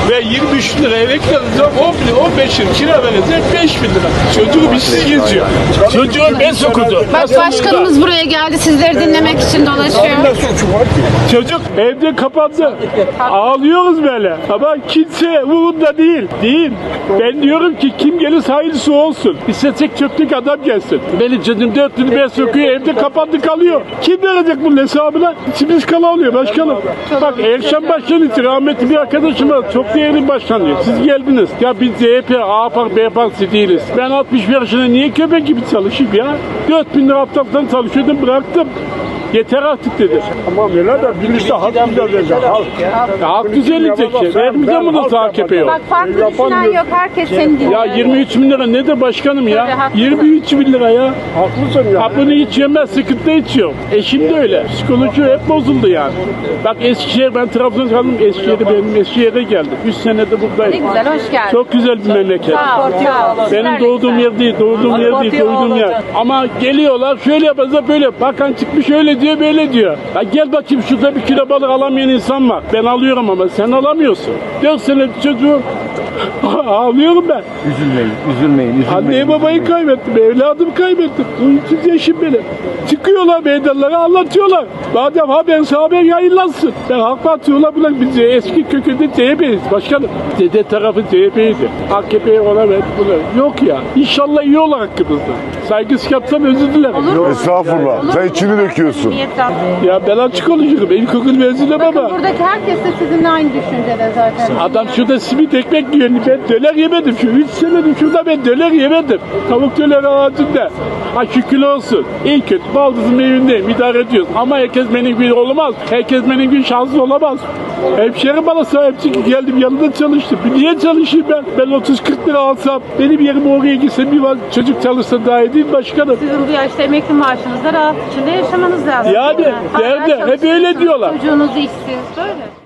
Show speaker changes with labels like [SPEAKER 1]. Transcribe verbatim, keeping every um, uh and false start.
[SPEAKER 1] Ve yirmi üç lira emeklerinize on bin, on beş yıl kira verecek beş bin lira. Çocuğu bizsiz geziyor. Çocuğu ben okudu.
[SPEAKER 2] Bak başkanımız buraya geldi sizleri dinlemek için dolaşıyor.
[SPEAKER 1] Çocuk evde kapandı. Ağlıyoruz böyle. Ama kimse umurunda değil. Değil. Ben diyorum ki kim gelirse hayırlısı olsun. İstesek çöplük adam gelsin. Benim canım dört yıl ben sokuyor evde kapandı kalıyor. Kim verecek bunun hesabına? İçimiz kala oluyor başkanım. Bak Erşen Başkan için rahmetli bir arkadaşım var. Çok değerli başkan diyor. Siz geldiniz. Ya biz C H P, A P, B Partisi değiliz. Ben altmış bir yaşında niye köpek gibi çalışayım ya? dört bin lira haftalıktan çalışıyordum bıraktım. Yeter artık dedi.
[SPEAKER 3] Tamam öyle de birisi hak düzelecek. Halk.
[SPEAKER 1] Ya halk düzelecek şey. Vermeyeceğim bunu A K P'ye.
[SPEAKER 2] Bak farklı düşünen yok. Herkes seni dinliyor.
[SPEAKER 1] Ya yirmi üç bin lira ne de başkanım ya?
[SPEAKER 2] Tabii, haklısın.
[SPEAKER 1] yirmi üç bin lira ya.
[SPEAKER 3] Haklısın ya.
[SPEAKER 1] Ha bunu hiç yemez, sıkıntı içiyor. Eşim de öyle. Psikoloji hep bozuldu yani. Bak Eskişehir, ben Trabzon'da kaldım. Eskişehir'de benim Eskişehir'e geldim. üç senede
[SPEAKER 2] Ne
[SPEAKER 1] buradayım.
[SPEAKER 2] güzel, hoş geldin.
[SPEAKER 1] Çok güzel bir memleket.
[SPEAKER 2] Sağ ol, sağ ol.
[SPEAKER 1] Benim
[SPEAKER 2] Sizler de
[SPEAKER 1] doğduğum
[SPEAKER 2] güzel.
[SPEAKER 1] yer değil, doğduğum yer değil, doğduğum yer. Ama geliyorlar şöyle yapacağız böyle. Bakan çıkmış öyle diyor, böyle diyor. Ya gel bakayım şurada bir kilo balık alamayan insan var. Ben alıyorum ama sen alamıyorsun. dört sene çocuğu ağlıyorum ben.
[SPEAKER 3] Üzülmeyin, üzülmeyin, üzülmeyin.
[SPEAKER 1] Anneyi babayı kaybettim, evladımı kaybettim. Uyumsuz yaşım benim. Çıkıyorlar meydanlara anlatıyorlar. Madem haber haber yayınlansın. Ben halk atıyorlar buna biz eski kökünde C H P'yiz başkanım. Dede tarafı C H P'ydi. A K P'ye ona ver bunu. Yok ya. İnşallah iyi olur hakkımızda. Saygısız yapsam özür dilerim.
[SPEAKER 4] Estağfurullah. Sen içini döküyorsun.
[SPEAKER 1] Ya ben açık konuşurum. İlkokul mezunum
[SPEAKER 2] Bakın
[SPEAKER 1] ama.
[SPEAKER 2] buradaki herkes de sizinle aynı düşüncede zaten.
[SPEAKER 1] Adam şurada simit ekmek yiyor. Ben döner yemedim. Şu üç senedir şurada ben döner yemedim. Tavuk döner ağacında. Ha şükür olsun. İyi kötü baldızın evindeyim. İdare ediyoruz. Ama herkes benim gibi olmaz. Herkes benim gibi şanslı olamaz. Hemşerim bana sahipçi geldim yanında çalıştım. Niye çalışayım ben? Ben otuz kırk lira alsam benim yerim oraya gitsem bir çocuk çalışsa daha iyi değil mi başkanım?
[SPEAKER 2] Sizin bu yaşta emekli maaşınızda rahat içinde yaşamanız lazım.
[SPEAKER 1] Yani
[SPEAKER 2] değil mi? Hala
[SPEAKER 1] derdi hep öyle
[SPEAKER 2] çalışıyorsunuz,
[SPEAKER 1] diyorlar.
[SPEAKER 2] Çocuğunuz işsiz böyle.